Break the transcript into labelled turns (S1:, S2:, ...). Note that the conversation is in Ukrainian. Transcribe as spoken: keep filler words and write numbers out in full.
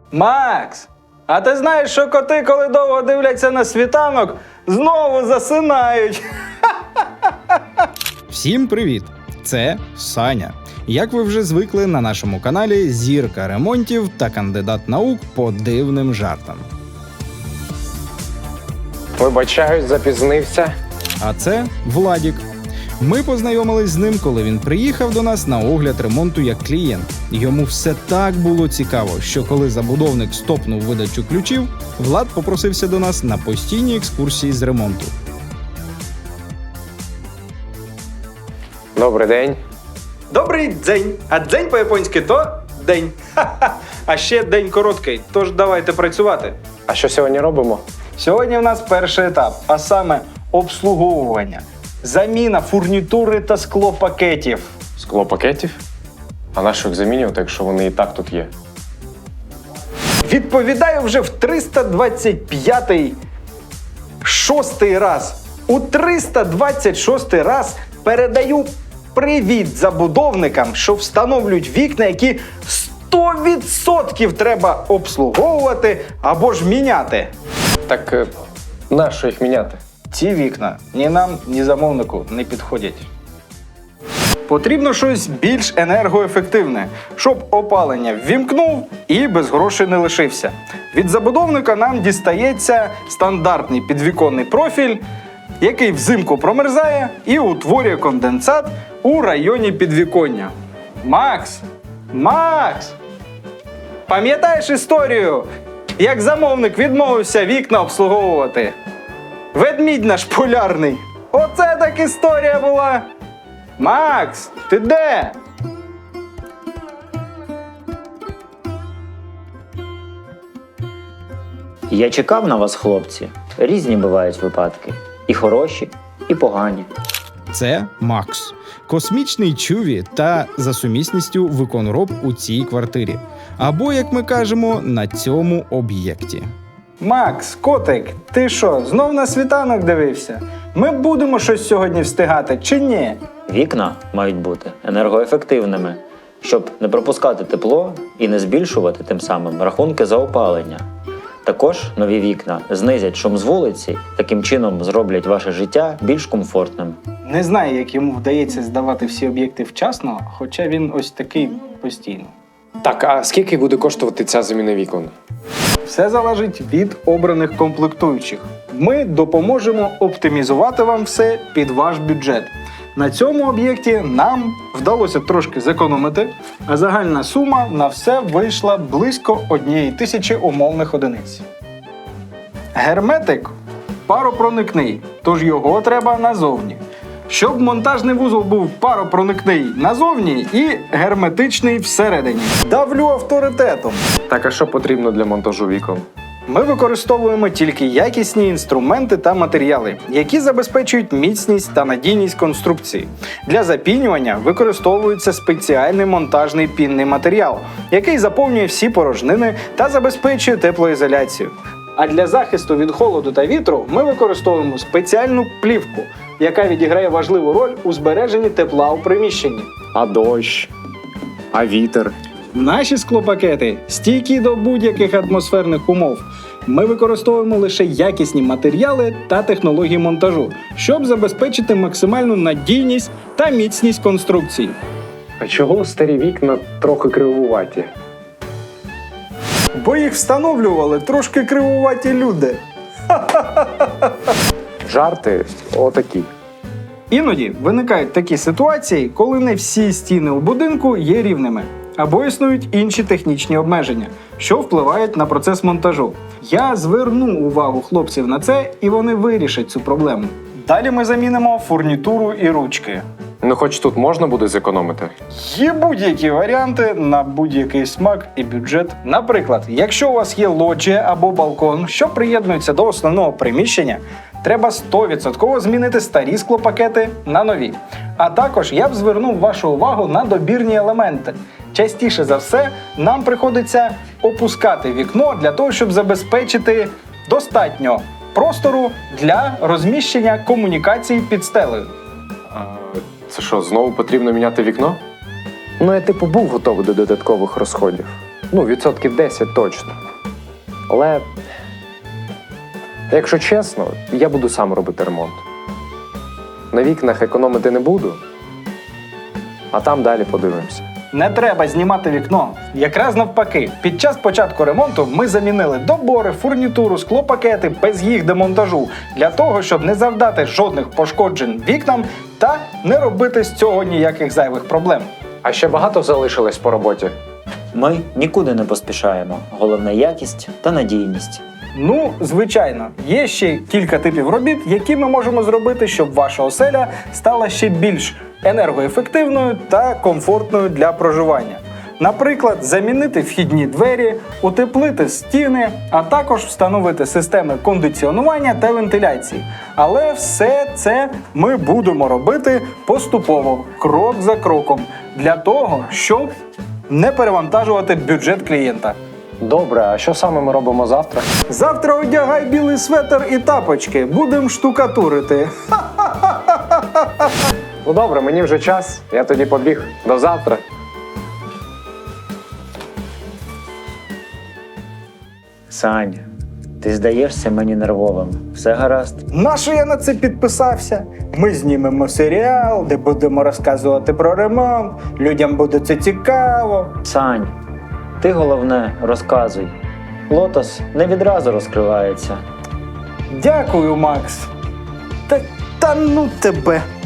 S1: Макс, а ти знаєш, що коти, коли довго дивляться на світанок, знову засинають?
S2: Всім привіт! Це Саня. Як ви вже звикли, на нашому каналі зірка ремонтів та кандидат наук по дивним жартам.
S3: Вибачаюсь, запізнився.
S2: А це Владік. Ми познайомились з ним, коли він приїхав до нас на огляд ремонту як клієнт. Йому все так було цікаво, що коли забудовник стопнув видачу ключів, Влад попросився до нас на постійні екскурсії з ремонту.
S3: Добрий день.
S1: Добрий дзень. А дзень по-японськи то день. Ха-ха. А ще день короткий, тож давайте працювати.
S3: А що сьогодні робимо?
S1: Сьогодні в нас перший етап, а саме обслуговування. Заміна фурнітури та склопакетів.
S3: Скло пакетів? А на що їх замінювати, якщо вони і так тут є?
S1: Відповідаю вже в триста двадцять п'ятий шостий раз. У триста двадцять шостий раз передаю привіт забудовникам, що встановлюють вікна, які сто відсотків треба обслуговувати або ж міняти.
S3: Так е, на що їх міняти?
S1: Ці вікна ні нам, ні замовнику не підходять. Потрібно щось більш енергоефективне, щоб опалення ввімкнув і без грошей не лишився. Від забудовника нам дістається стандартний підвіконний профіль, який взимку промерзає і утворює конденсат у районі підвіконня. Макс! Макс! Пам'ятаєш історію, як замовник відмовився вікна обслуговувати? Ведмідь наш полярний. Оце так історія була. Макс, ти де?
S4: Я чекав на вас, хлопці. Різні бувають випадки. І хороші, і погані.
S2: Це Макс. Космічний чуві та за сумісністю виконроб у цій квартирі. Або, як ми кажемо, на цьому об'єкті.
S1: Макс, котик, ти що, знов на світанок дивився? Ми будемо щось сьогодні встигати чи ні?
S4: Вікна мають бути енергоефективними, щоб не пропускати тепло і не збільшувати тим самим рахунки за опалення. Також нові вікна знизять шум з вулиці, таким чином зроблять ваше життя більш комфортним.
S1: Не знаю, як йому вдається здавати всі об'єкти вчасно, хоча він ось такий постійно.
S3: Так, а скільки буде коштувати ця заміна вікон?
S1: Все залежить від обраних комплектуючих. Ми допоможемо оптимізувати вам все під ваш бюджет. На цьому об'єкті нам вдалося трошки зекономити, а загальна сума на все вийшла близько однієї тисячі умовних одиниць. Герметик паропроникний, тож його треба назовні. Щоб монтажний вузол був паропроникний назовні і герметичний всередині. Давлю авторитетом.
S3: Так, а що потрібно для монтажу вікон?
S1: Ми використовуємо тільки якісні інструменти та матеріали, які забезпечують міцність та надійність конструкції. Для запінювання використовується спеціальний монтажний пінний матеріал, який заповнює всі порожнини та забезпечує теплоізоляцію. А для захисту від холоду та вітру ми використовуємо спеціальну плівку, яка відіграє важливу роль у збереженні тепла у приміщенні.
S3: А дощ? А вітер?
S1: Наші склопакети стійкі до будь-яких атмосферних умов. Ми використовуємо лише якісні матеріали та технології монтажу, щоб забезпечити максимальну надійність та міцність конструкції.
S3: А чого старі вікна трохи кривуваті?
S1: Бо їх встановлювали трошки кривуваті люди.
S3: Жарти отакі.
S1: Іноді виникають такі ситуації, коли не всі стіни у будинку є рівними, або існують інші технічні обмеження, що впливають на процес монтажу. Я зверну увагу хлопців на це, і вони вирішать цю проблему. Далі ми замінимо фурнітуру і ручки.
S3: Ну хоч тут можна буде зекономити?
S1: Є будь-які варіанти на будь-який смак і бюджет. Наприклад, якщо у вас є лоджія або балкон, що приєднуються до основного приміщення, треба сто відсотків змінити старі склопакети на нові. А також я б звернув вашу увагу на добірні елементи. Частіше за все, нам приходиться опускати вікно для того, щоб забезпечити достатньо простору для розміщення комунікацій під стелею.
S3: А, це що, знову потрібно міняти вікно? Ну, я типу був готовий до додаткових розходів. Ну, відсотків десять точно. Але, якщо чесно, я буду сам робити ремонт. На вікнах економити не буду, а там далі подивимося.
S1: Не треба знімати вікно. Якраз навпаки, під час початку ремонту ми замінили добори, фурнітуру, склопакети без їх демонтажу для того, щоб не завдати жодних пошкоджень вікнам та не робити з цього ніяких зайвих проблем.
S3: А ще багато залишилось по роботі?
S4: Ми нікуди не поспішаємо. Головне якість та надійність.
S1: Ну, звичайно, є ще кілька типів робіт, які ми можемо зробити, щоб ваша оселя стала ще більш енергоефективною та комфортною для проживання. Наприклад, замінити вхідні двері, утеплити стіни, а також встановити системи кондиціонування та вентиляції. Але все це ми будемо робити поступово, крок за кроком, для того, щоб не перевантажувати бюджет клієнта.
S3: Добре, а що саме ми робимо завтра?
S1: Завтра одягай білий светр і тапочки, будемо штукатурити.
S3: Ну добре, мені вже час, я тоді побіг. До завтра.
S4: Сань, ти здаєшся мені нервовим. Все гаразд?
S1: Нащо я на це підписався? Ми знімемо серіал, де будемо розказувати про ремонт, людям буде це цікаво.
S4: Сань, ти головне розказуй. Лотос не відразу розкривається.
S1: Дякую, Макс. Та, та ну тебе.